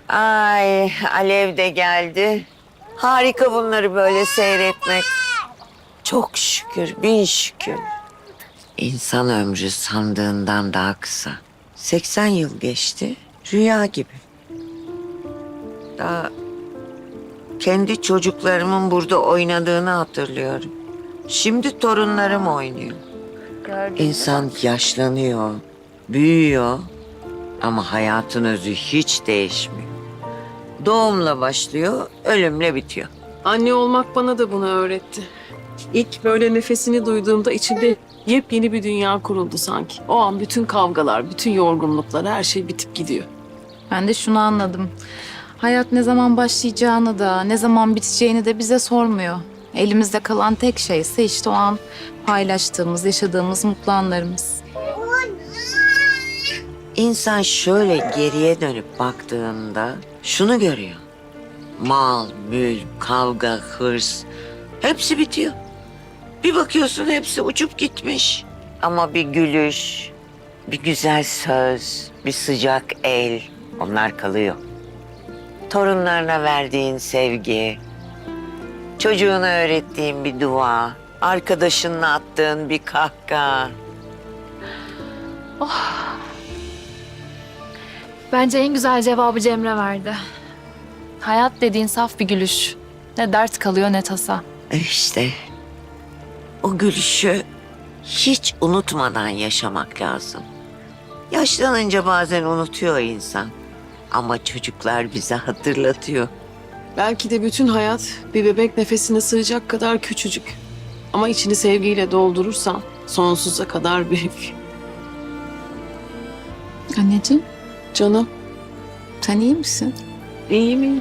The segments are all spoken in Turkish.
Ay, Alev de geldi. Harika bunları böyle seyretmek. Çok şükür, bin şükür. İnsan ömrü sandığından daha kısa. 80 yıl geçti, rüya gibi. Daha kendi çocuklarımın burada oynadığını hatırlıyorum. Şimdi torunlarım oynuyor. İnsan yaşlanıyor, büyüyor ama hayatın özü hiç değişmiyor. Doğumla başlıyor, ölümle bitiyor. Anne olmak bana da bunu öğretti. İlk böyle nefesini duyduğumda içimde yepyeni bir dünya kuruldu sanki. O an bütün kavgalar, bütün yorgunluklar, her şey bitip gidiyor. Ben de şunu anladım. Hayat ne zaman başlayacağını da, ne zaman biteceğini de bize sormuyor. Elimizde kalan tek şey ise işte o an paylaştığımız, yaşadığımız mutlu anlarımız. İnsan şöyle geriye dönüp baktığında şunu görüyor. Mal, mülk, kavga, hırs hepsi bitiyor. Bir bakıyorsun hepsi uçup gitmiş. Ama bir gülüş, bir güzel söz, bir sıcak el onlar kalıyor. Torunlarına verdiğin sevgi, çocuğuna öğrettiğin bir dua, arkadaşınla attığın bir kahkaha. Bence en güzel cevabı Cemre verdi. Hayat dediğin saf bir gülüş. Ne dert kalıyor ne tasa. İşte o gülüşü hiç unutmadan yaşamak lazım. Yaşlanınca bazen unutuyor insan. Ama çocuklar bize hatırlatıyor. Belki de bütün hayat bir bebek nefesine sığacak kadar küçücük. Ama içini sevgiyle doldurursan sonsuza kadar büyük. Anneciğim, Canım, sen iyi misin? iyi mi?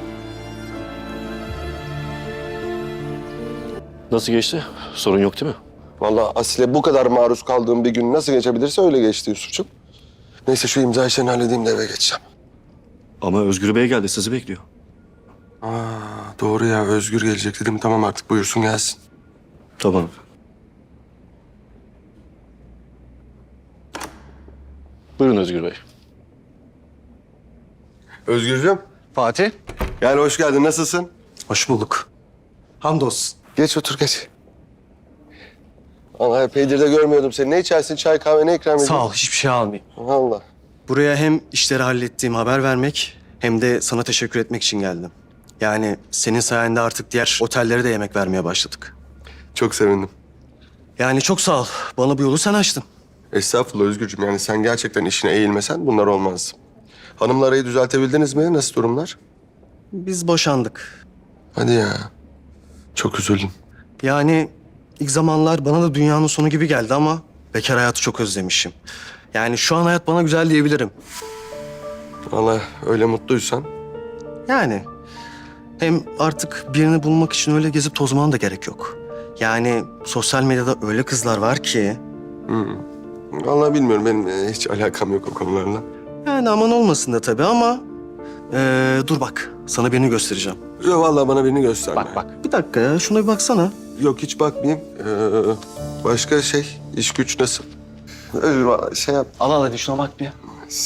Nasıl geçti? Sorun yok değil mi? Vallahi Asile bu kadar maruz kaldığım bir gün nasıl geçebilirse öyle geçti Yusuf'cum. Neyse şu imza işlerini halledeyim de eve geçeceğim. Ama Özgür Bey geldi, sizi bekliyor. Aa, doğru ya, Özgür gelecek dedim. Tamam artık buyursun gelsin. Tamam. Buyurun Özgür Bey. Özgürcüğüm. Fatih, Gel hoş geldin, nasılsın? hoş bulduk. Hamdolsun. Geç otur geç. Allah epeydir de görmüyordum seni. Ne içersin? Çay kahve ne ikram edeyim? Sağ ol, hiçbir şey almayayım. Vallahi. Buraya hem işleri hallettiğim haber vermek hem de sana teşekkür etmek için geldim. Yani senin sayende artık diğer otellere de yemek vermeye başladık. Çok sevindim. Yani çok sağ ol. Bana bu yolu sen açtın. Estağfurullah Özgürcüğüm. Yani sen gerçekten işine eğilmesen bunlar olmaz. Hanımla arayı düzeltebildiniz mi? Nasıl durumlar? Biz boşandık. Hadi ya. Çok üzüldüm. Yani ilk zamanlar bana da dünyanın sonu gibi geldi ama bekar hayatı çok özlemişim. Yani şu an hayat bana güzel diyebilirim. Vallahi öyle mutluysan. Yani hem artık birini bulmak için öyle gezip tozmana da gerek yok. Yani sosyal medyada öyle kızlar var ki... Vallahi bilmiyorum. Benim hiç alakam yok o konularla. Yani aman olmasın da tabii ama... dur bak, sana birini göstereceğim. Yok vallahi bana birini gösterme. Bak. Bir dakika ya, şuna bir baksana. Yok hiç bakmayayım. Başka iş güç nasıl? Özür vallahi yap. Al hadi şuna bak bir.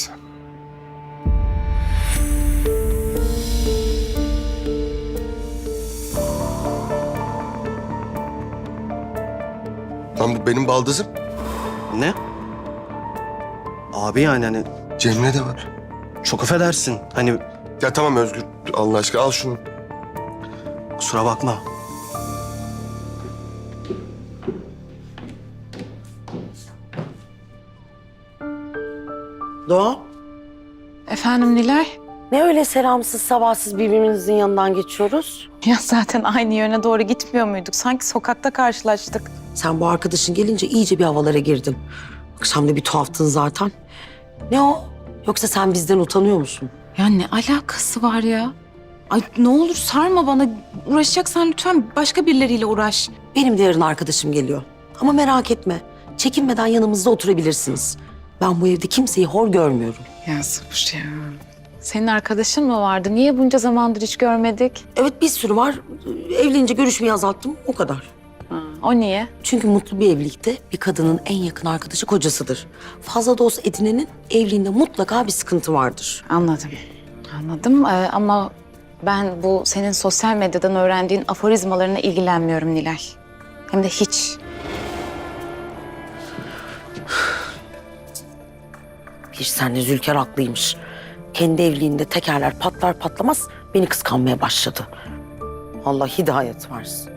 Lan bu benim baldızım. Ne? Abi yani hani Cemre de var. çok affedersin. Hani Ya tamam Özgür. Allah aşkına al şunu. kusura bakma. Doğa, Efendim Nilay? ne öyle selamsız sabahsız birbirimizin yanından geçiyoruz? Ya zaten aynı yöne doğru gitmiyor muyduk? Sanki sokakta karşılaştık. Sen bu arkadaşın gelince iyice bir havalara girdin. Akşam da bir tuhaftın zaten. Ne o? Yoksa sen bizden utanıyor musun? Ya ne alakası var ya? Ay ne olur sarma bana. Uğraşacaksan lütfen başka birileriyle uğraş. Benim de yarın arkadaşım geliyor. Ama merak etme. Çekinmeden yanımızda oturabilirsiniz. Ben bu evde kimseyi hor görmüyorum. Ya sabır ya. Senin arkadaşın mı vardı? Niye bunca zamandır hiç görmedik? Evet bir sürü var. Evlenince görüşmeyi azalttım. O kadar. O niye? Çünkü mutlu bir evlilikte bir kadının en yakın arkadaşı kocasıdır. Fazla dost edinenin evliliğinde mutlaka bir sıkıntı vardır. Anladım. Anladım ama ben bu senin sosyal medyadan öğrendiğin aforizmalarına ilgilenmiyorum Nilay. Hem de hiç. Bir senle Zülker haklıymış. Kendi evliliğinde tekerler patlar patlamaz beni kıskanmaya başladı. Allah hidayet versin.